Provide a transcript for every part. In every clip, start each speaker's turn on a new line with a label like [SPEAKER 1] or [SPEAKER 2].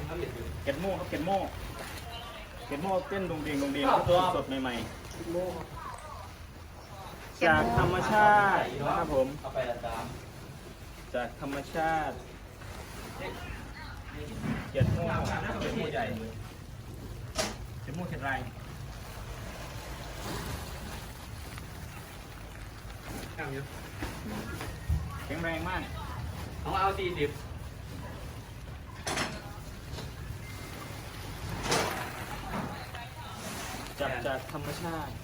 [SPEAKER 1] เก็ดโม่ครับเก็ดโม่เต้นดงเดียงตัวสดใหม่ๆจากธรรมชาตินะครับผมจากธรรมชาติเก็ดโม่ใหญ่เก็ดโม่เก็ดไรแข็งแรงมาก
[SPEAKER 2] เอา40
[SPEAKER 1] จับจากธรรมชาติ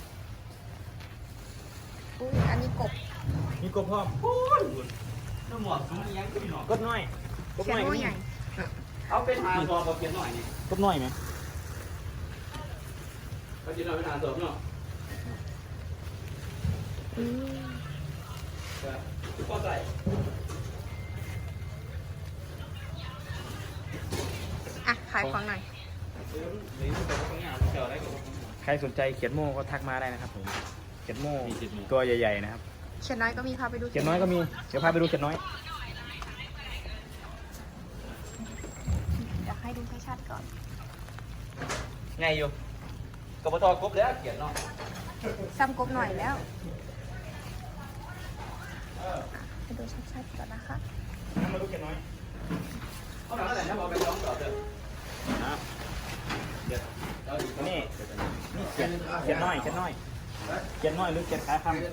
[SPEAKER 3] อุ้ยอันนี้กบ
[SPEAKER 1] มีกบพร้อม
[SPEAKER 2] น้ำหมวกสูงยังก็มีหน่อย
[SPEAKER 1] กบน้อย
[SPEAKER 3] เขียนว่าใหญ่
[SPEAKER 2] เอาเป็นหาตัวกับเขียนหน่อยนี่
[SPEAKER 1] กบน้อยไหม
[SPEAKER 2] เขาจะเอาเป็นหาตัวเนาะก็ใส่
[SPEAKER 3] อ่ะขายของหน่อย
[SPEAKER 1] ใครสนใจเขียนโม่ก็ทักมาได้นะครับผมเขียนโม่ตัวใหญ่ๆนะครับ
[SPEAKER 3] เขียนน้อยก็มีพาไปดู
[SPEAKER 1] เขียนน้อยก็มีเดี๋ยวพาไปดูเขียนน้อย
[SPEAKER 3] อยากให้ดูให้ชัดก่อน
[SPEAKER 2] ไงอยู่กบฏกบแล้วเขียนเนาะ
[SPEAKER 3] ซ้ำกบหน่อยแล้วให้ดูชัดๆก่อนนะคะ
[SPEAKER 1] มาดูเขียนน้อย
[SPEAKER 2] เอาหนังอะไรนะบอกไปร้องต่อเถอะ
[SPEAKER 1] นะนี่เขียนน้อยหรือเขียนขาคำเขียน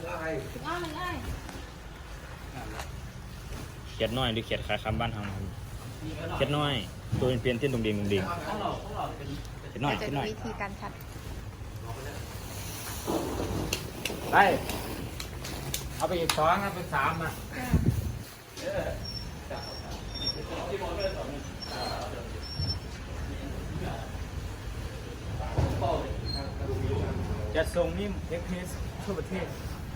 [SPEAKER 1] น้อยหรือเขียนขาคำบ้านเฮาเขียนน้อยตัวเป็นเปลี่ยนเต้นดงเดียงเขียนน้อย
[SPEAKER 3] วิธีการชัด
[SPEAKER 1] ไปเอาไปอีก2นะเป็น3อ่ะจะส่งนิ่มเอ็กเพรสทั่วประเทศ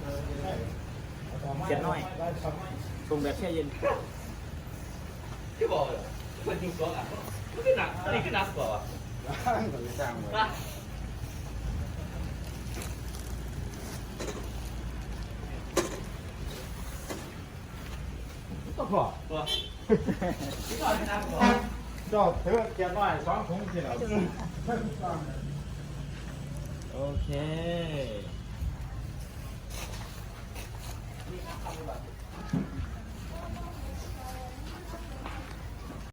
[SPEAKER 1] เขียนน้อยส่งแบบแช่เย็น
[SPEAKER 2] ที่บอกมันจริงตัวอ่ะมันก็หนักนี่ก็หนักกว่า
[SPEAKER 1] ก็พอ
[SPEAKER 2] ตัวที่ก่อนหนักกว่า
[SPEAKER 1] จอบเธอเขียนน้อย2 ถุงสิเหรอโอเค